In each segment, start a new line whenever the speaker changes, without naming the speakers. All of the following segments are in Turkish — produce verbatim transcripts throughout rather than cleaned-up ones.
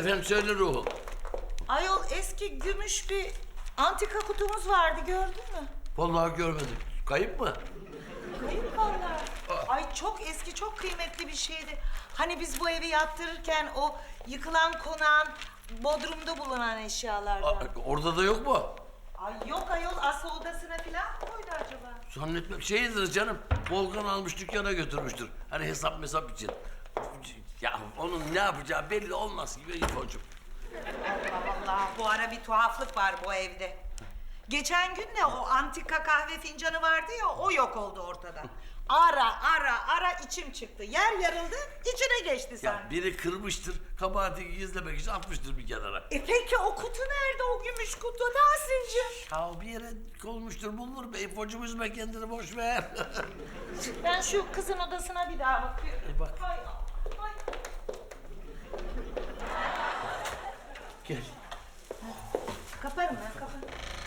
Efendim söyle ruhum.
Ayol eski gümüş bir antika kutumuz vardı, gördün mü?
Vallahi görmedim. Kayıp mı?
Kayıp vallahi. Ay çok eski, çok kıymetli bir şeydi. Hani biz bu evi yaptırırken o yıkılan konağın bodrumda bulunan eşyalardan.
Aa, orada da yok mu?
Ay yok ayol, aslı odasına falan mı koydu acaba?
Zannetmem şeydir canım. Volkan almış dükkana götürmüştür. Hani hesap mesap için. Ya onun ne yapacağı belli olmaz gibi İfo'cum.
Allah Allah, bu ara bir tuhaflık var bu evde. Geçen gün de o antika kahve fincanı vardı ya, o yok oldu ortadan. Ara ara ara içim çıktı. Yer yarıldı, içine geçti
Ya
sanki.
biri kırmıştır, kabahati gizlemek için atmıştır bir kenara.
E peki o kutu nerede, o gümüş kutu Tahsin'cim?
Ya bir yere konmuştur, bulunur be İfo'cum, üzme kendini, boş ver.
Ben şu kızın odasına bir daha bakıyorum.
E bak.
Ay, ay.
Gel.
Kaparım ben, kaparım.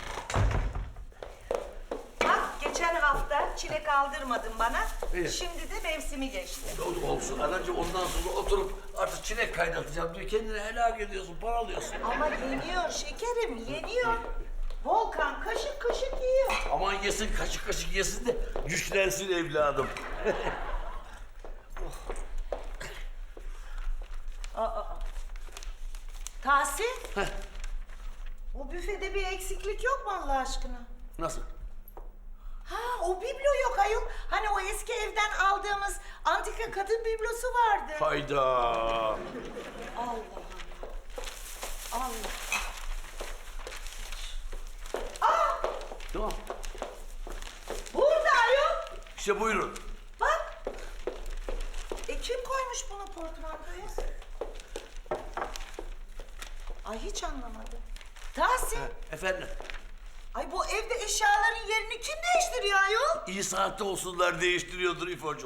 Bak geçen hafta çilek aldırmadın bana.
İyi.
Şimdi de mevsimi geçti.
Ol- Olsun anacığım, ondan sonra oturup artık çilek kaynatacağım diyor. Kendini helak ediyorsun, paralıyorsun.
Ama yeniyor şekerim, yeniyor. Volkan kaşık kaşık yiyor.
Aman yesin, kaşık kaşık yesin de güçlensin evladım.
Tahsin. O büfede bir eksiklik yok mu Allah aşkına?
Nasıl?
Ha, o biblo yok ayol. Hani o eski evden aldığımız antika kadın biblosu vardı.
Hayda.
Allah Allah. Allah.
Tamam.
Burada ayol.
İşte buyurun.
Bak. E kim koymuş bunu portmantoya? Ay hiç anlamadım. Tahsin.
Efendim,
Ay bu evde eşyaların yerini kim değiştiriyor ayol?
iyi saatte olsunlar değiştiriyordur İfo'cum.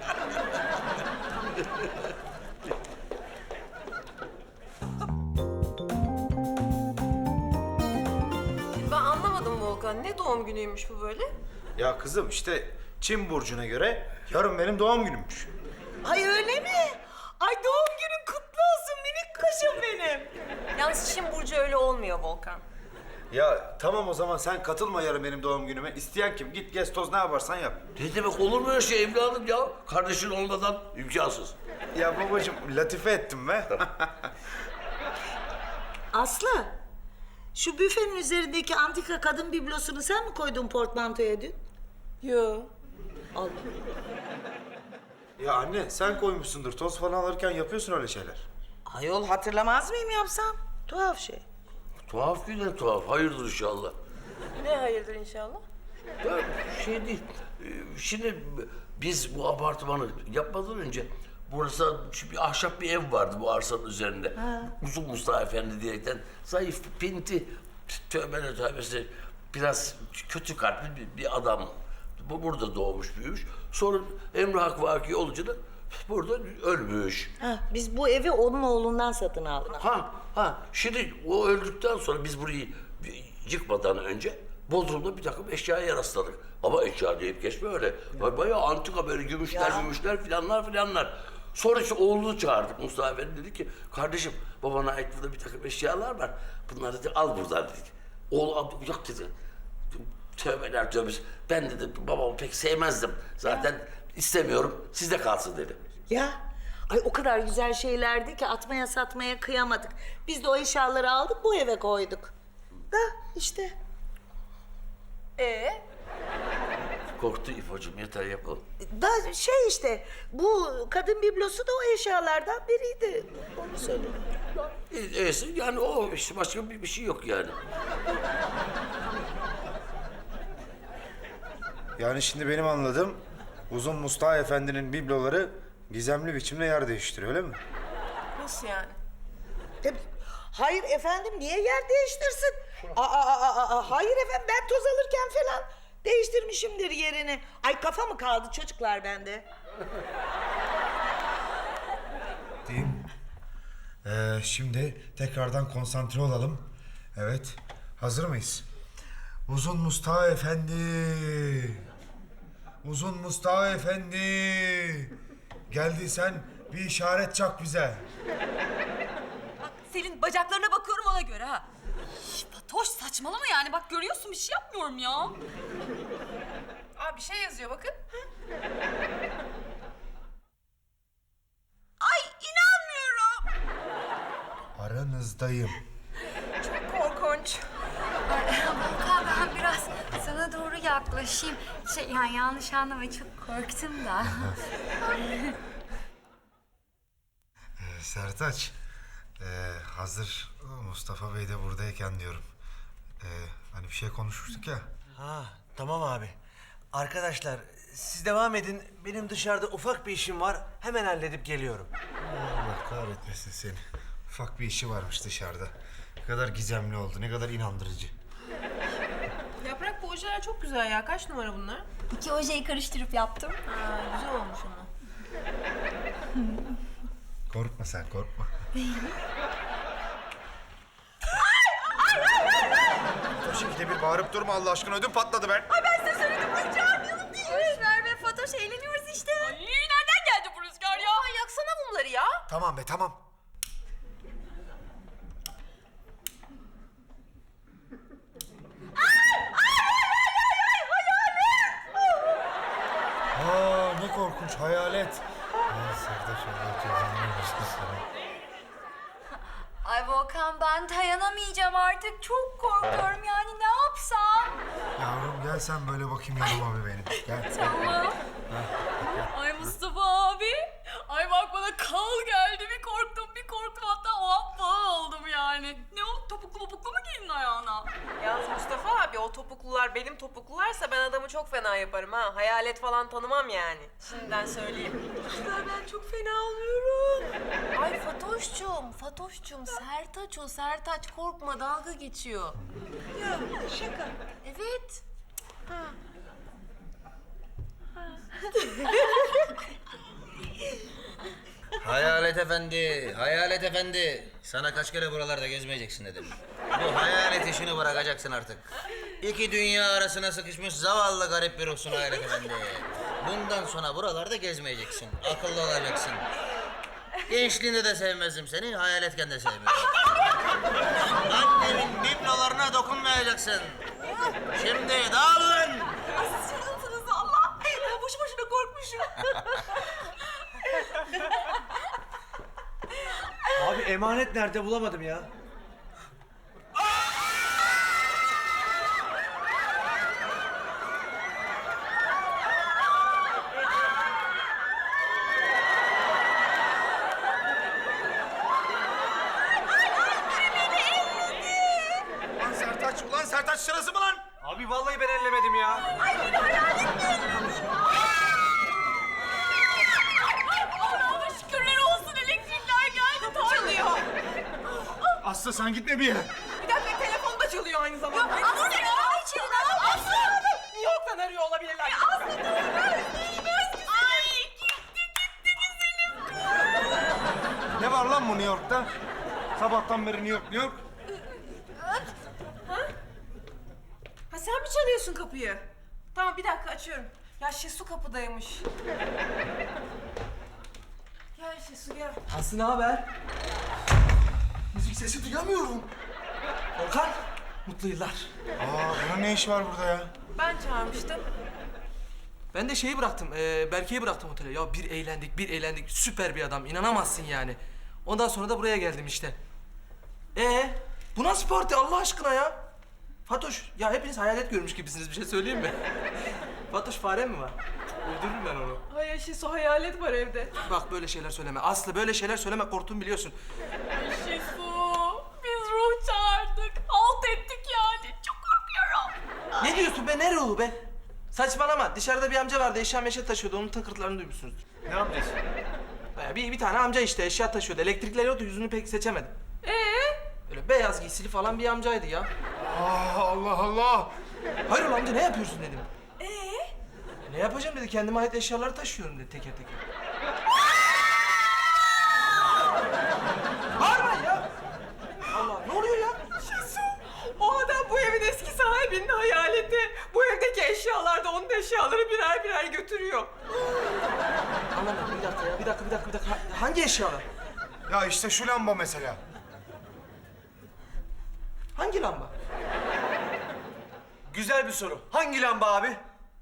Ben anlamadım Volkan. Ne doğum günüymüş bu böyle?
Ya kızım işte Çin burcuna göre yarın benim doğum günümmüş.
Ay öyle mi? Ay doğum günün kutlu olsun minik kuşum benim.
Yalnız Çin burcu öyle olmuyor Volkan.
Ya tamam o zaman sen katılma yarın benim doğum günüme. İsteyen kim? Git gez toz ne yaparsan yap.
Ne demek, olur mu öyle şey evladım ya? Kardeşin olmadan imkansız.
Ya babacığım latife ettim be.
Aslı, şu büfenin üzerindeki antika kadın biblosunu sen mi koydun portmantoya dün?
Yo.
Al.
Ya anne sen koymuşsundur. Toz falan alırken yapıyorsun öyle şeyler.
Ayol hatırlamaz mıyım yapsam? Tuhaf şey.
Tuhaf güne tuhaf, hayırdır inşallah.
Ne hayırdır inşallah?
Ya şey değil, e, şimdi biz bu apartmanı yapmadan önce burası bir ahşap bir ev vardı bu arsanın üzerinde. Uzun Mustafa Efendi diyerekten zayıf, pinti, tövbe tövbesi biraz kötü kalpli bir, bir adam. Bu burada doğmuş, büyümüş. Sonra Emre Hak Vaki olunca da burada ölmüş.
Ha, biz bu evi onun oğlundan satın aldık.
Ha, ha. Şimdi o öldükten sonra biz burayı yıkmadan önce Bodrum'da bir takım eşyaya rastladık. Ama eşya deyip geçme öyle. Bayağı antika böyle gümüşler,
Ya.
gümüşler filanlar filanlar. Sonra işte oğlunu çağırdık Mustafa Efendi, dedi ki kardeşim babana ait burada bir takım eşyalar var. Bunları dedi al buradan dedik. Oğlu "Abi, yok dedi. Tövbeler tövbesi. Ben dedi babamı pek sevmezdim. Zaten istemiyorum, sizde kalsın dedi.
Ya, ay o kadar güzel şeylerdi ki atmaya satmaya kıyamadık. Biz de o eşyaları aldık bu eve koyduk. Da işte.
Ee?
Korktu İfo'cum, yeter yapalım.
Da şey işte, bu kadın biblosu da o eşyalardan biriydi. Onu söyleyeyim.
Neyse yani o işte, başka bir, bir şey yok yani.
Yani şimdi benim anladığım Uzun Mustafa Efendi'nin bibloları gizemli biçimde yer değiştiriyor öyle mi?
Nasıl yani?
Tabii. Hayır efendim, niye yer değiştirsin? Aa, aa, aa, aa, hayır efendim, ben toz alırken falan değiştirmişimdir yerini. Ay kafa mı kaldı çocuklar bende?
Diyeyim. Ee, şimdi tekrardan konsantre olalım. Evet. Hazır mıyız? Uzun Mustafa Efendi. Uzun Mustafa Efendi. Geldiysen bir işaret çak bize.
Selin bacaklarına bakıyorum ona göre ha. Şş, Fatoş saçmalama yani bak görüyorsun bir şey yapmıyorum ya.
Aa bir şey yazıyor bakın.
Ay inanmıyorum.
Aranızdayım.
Korkunç.
Volkan ben biraz sana doğru yaklaşayım. Şey yani yanlış anlama çok korktum da.
Ee, Sertaç, ee, hazır Mustafa Bey de buradayken diyorum. Ee, hani bir şey konuşmuştuk ya.
Ha, tamam abi. Arkadaşlar, siz devam edin. Benim dışarıda ufak bir işim var. Hemen halledip geliyorum.
Allah kahretmesin seni. Ufak bir işi varmış dışarıda. Ne kadar gizemli oldu, ne kadar inandırıcı.
Yaprak bu ojeler çok güzel ya. Kaç numara bunlar?
İki ojeyi karıştırıp yaptım.
Aa, güzel olmuş ama.
Korkma sen, korkma. O şekilde bir bağırıp durma Allah aşkına, ödüm patladı ben.
Boş ver be Fatoş eğleniyoruz işte.
Ay, nereden geldi bu rüzgar ya?
Aa, yaksana mumları ya.
Tamam be, tamam. Aa, ne korkunç, hayalet. Ay Sertaç, Allah cezanı versin sana.
Ay Volkan ben dayanamayacağım artık. Çok korkuyorum yani ne yapsam?
Yavrum gel sen böyle bakayım yanıma bir benim. Gel.
Tamam. Ay Mustafa abi. Ay bak bana kal geldi. Bir korktum bir korktum hatta o an falan oldum yani. Ne o topuklu topuklu mu giydin ayağına?
Yalnız Mustafa abi o topuklular benim topuklularsa ben adamı çok fena yaparım ha. Hayalet falan tanımam yani. Şimdiden söyleyeyim. Ben çok fena oluyorum. Ay Fatoş'cum, Fatoş'cum Sertaç o Sertaç korkma dalga geçiyor.
Ya şaka.
Evet.
Hayalet efendi, hayalet efendi. Sana kaç kere buralarda gezmeyeceksin dedim. Bu hayalet işini bırakacaksın artık. İki dünya arasına sıkışmış zavallı garip bir ruhsun hayalet efendi. Bundan sonra buralarda gezmeyeceksin. Akıllı olacaksın. Gençliğinde de sevmezdim seni, hayaletken de sevmiyorum. Annemin biblolarına dokunmayacaksın. Şimdi dağılın.
Ay siz çılgınsınız valla. Ben boşu boşuna korkmuşum.
Abi emanet nerede bulamadım ya.
Ulan Sertaç, ulan Sertaç sırası mı lan?
Abi vallahi ben ellemedim ya.
Allah'ıma şükürler olsun elektrikler geldi. Çalıyor.
Aslı sen gitme bir yere.
Bir dakika telefon da çalıyor aynı zamanda.
Aslı ya. Aslı. Aslı.
New York'tan arıyor olabilirler.
Aslı duymaz. Ay gitti gitti güzelim.
Ne var lan bu New York'ta? Sabahtan beri New York, New York.
Ha sen mi çalıyorsun kapıyı? Tamam bir dakika açıyorum. Ya Şesu kapıdaymış. Gel Şesu gel.
Aslı ne haber? Müzik sesi duyamıyorum. Volkan, mutlu yıllar.
Aa, bunun ne işi var burada ya?
Ben çağırmıştım.
Ben de şeyi bıraktım, e, Berke'yi bıraktım otele. Ya bir eğlendik, bir eğlendik. Süper bir adam, inanamazsın yani. Ondan sonra da buraya geldim işte. Ee, bu nasıl parti Allah aşkına ya? Fatoş, ya hepiniz hayalet görmüş gibisiniz, bir şey söyleyeyim mi? Fatoş fare mi var? Öldürürüm ben onu.
Hayır Şesu hayalet var evde.
Bak böyle şeyler söyleme. Aslı böyle şeyler söyleme, korktuğumu biliyorsun.
Şesu. Biz ruh çağırdık. Alt ettik yani. Çok korkuyorum.
Ne diyorsun be, ne ruhu be? Saçmalama, dışarıda bir amca vardı, eşya meşe taşıyordu. Onun tıkırtılarını duymuşsunuzdur.
Ne amcası?
Baya bir, bir tane amca işte eşya taşıyordu. Elektrikler yoktu, yüzünü pek seçemedim.
Ee?
Öyle beyaz giysili falan bir amcaydı ya.
Aa, Allah Allah.
Hayır amca ne yapıyorsun dedim. Ee? Ne yapacağım dedi, kendime ait eşyaları taşıyorum dedi teker teker. Bağırmayın ya. Allah ne oluyor ya?
O adam bu evin eski sahibinin hayaleti. Bu evdeki eşyalar da onun eşyaları birer birer götürüyor.
Anlamadım bir dakika ya, bir dakika bir dakika bir dakika. Ha- Hangi eşyalar?
Ya işte şu lamba mesela.
Hangi lamba? Güzel bir soru. Hangi lamba abi?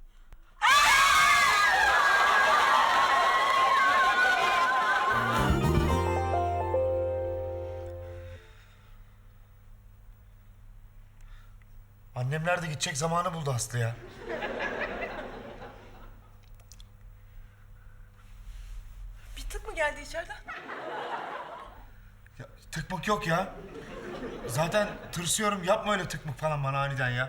Annemler de gidecek zamanı buldu Aslı ya.
Bir tık mı geldi içeriden?
Ya, tıkmık yok ya. Zaten tırsıyorum, yapma öyle tıkmık falan bana aniden ya.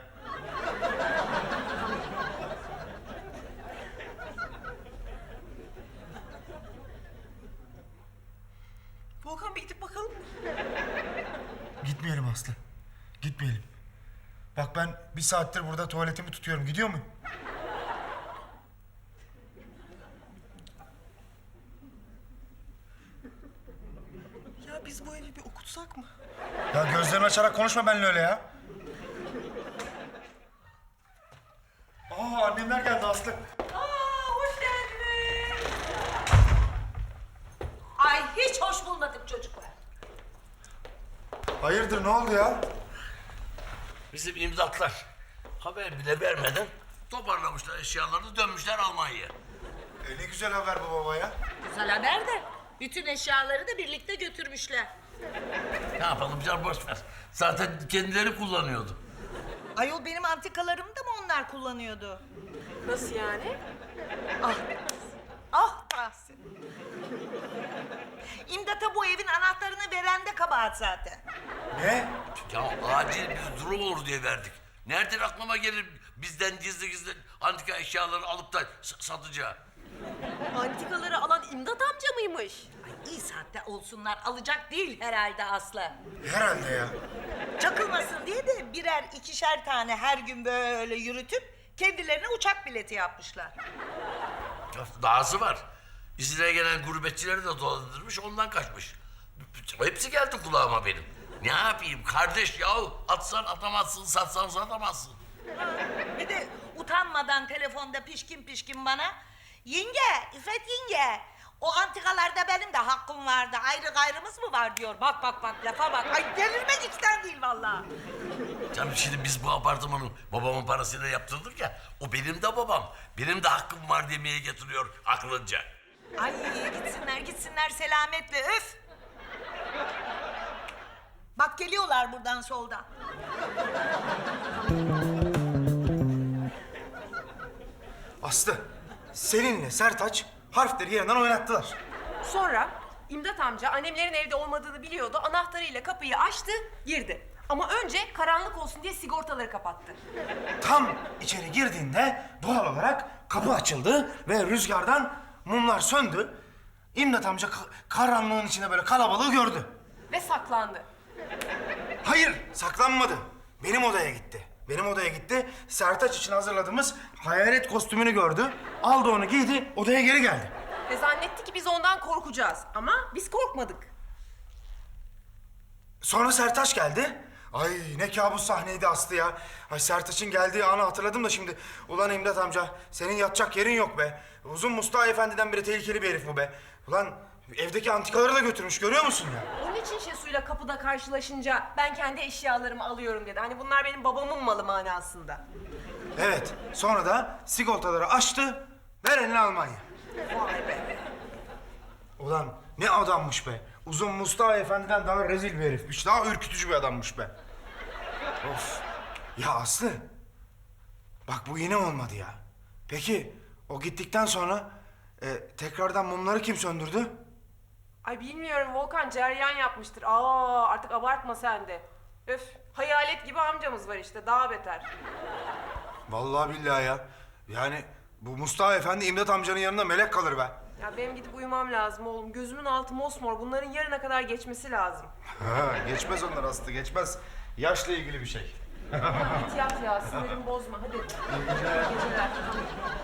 Volkan bir gidip bakalım mı?
Gitmeyelim Aslı. Gitmeyelim. Bak ben bir saattir burada tuvaletimi tutuyorum. Gidiyor muyum?
Ya biz bu evi bir okutsak mı?
Ya gözlerimi açarak konuşma benimle öyle ya. Aa annemler geldi Aslı.
Aa, hoş geldiniz. Ay hiç hoş bulmadık çocuklar.
Hayırdır ne oldu ya?
Bizim imdatlar haber bile vermeden toparlamışlar eşyalarını, dönmüşler Almanya'ya.
E, ne güzel haber bu baba ya.
Güzel haber de bütün eşyaları da birlikte götürmüşler.
Ne yapalım canım, boş ver. Zaten kendileri kullanıyordu.
Ayol benim antikalarımı da mı onlar kullanıyordu?
Nasıl yani?
Ah, ah Tahsin. İmdat'a bu evin anahtarını veren de kabahat zaten.
Ne?
Ya acil bir durum olur diye verdik. Nereden aklıma gelir bizden gizli gizli antika eşyaları alıp da s- satacağı?
Antikaları alan İmdat amca mıymış?
Ay iyi saatte olsunlar alacak değil herhalde Aslı.
Herhalde ya.
Çakılmasın diye de birer ikişer tane her gün böyle yürütüp kendilerine uçak bileti yapmışlar.
Ya dahası var. İzine gelen gurbetçileri de dolandırmış, ondan kaçmış. Hepsi geldi kulağıma benim. Ne yapayım kardeş yahu? Atsan atamazsın, satsan satamazsın.
Bir de utanmadan telefonda pişkin pişkin bana yenge, İffet yenge o antikalarda benim de hakkım vardı. Ayrı gayrımız mı var diyor. Bak bak bak lafa bak. Ay delirmek içten değil vallahi.
Canım şimdi biz bu apartmanı babamın parasıyla yaptırdık ya. O benim de babam. Benim de hakkım var demeye getiriyor aklınca.
Ay gitsinler gitsinler selametle öf. Bak geliyorlar buradan soldan.
Aslı, Selin'le Sertaç harfleri yerinden oynattılar.
Sonra İmdat amca annemlerin evde olmadığını biliyordu. Anahtarıyla kapıyı açtı, girdi. Ama önce karanlık olsun diye sigortaları kapattı.
Tam içeri girdiğinde doğal olarak kapı açıldı ve rüzgardan mumlar söndü. İmdat amca ka- karanlığın içinde böyle kalabalığı gördü.
Ve saklandı.
Hayır, saklanmadı. Benim odaya gitti. Benim odaya gitti. Sertaç için hazırladığımız hayalet kostümünü gördü. Aldı onu giydi, odaya geri geldi.
Ve zannetti ki biz ondan korkacağız. Ama biz korkmadık.
Sonra Sertaç geldi. Ay ne kabus sahneydi Aslı ya. Ay Sertaç'ın geldiği anı hatırladım da şimdi. Ulan İmdat amca, senin yatacak yerin yok be. Uzun Mustafa Efendi'den biri tehlikeli bir herif bu be. Ulan evdeki antikaları da götürmüş, görüyor musun ya?
Onun için Şesu'yla kapıda karşılaşınca ben kendi eşyalarımı alıyorum dedi. Hani bunlar benim babamın malı manasında.
Evet, sonra da sigortaları açtı, ver eline Almanya.
Vay be.
Ulan ne adammış be. Uzun Mustafa Efendi'den daha rezil bir herifmiş. Daha ürkütücü bir adammış be. Of. Ya Aslı. Bak bu yine olmadı ya. Peki o gittikten sonra e, tekrardan mumları kim söndürdü?
Ay bilmiyorum Volkan ceryan yapmıştır. Aa artık abartma sen de. Öf hayalet gibi amcamız var işte daha beter.
Vallahi billahi ya. Yani bu Mustafa Efendi İmdat amcanın yanında melek kalır be.
Ya benim gidip uyumam lazım oğlum. Gözümün altı mosmor. Bunların yarına kadar geçmesi lazım.
Ha, geçmez onlar Aslı, geçmez. Yaşla ilgili bir şey.
Git yat ya sinirimi bozma hadi. İyi geceler.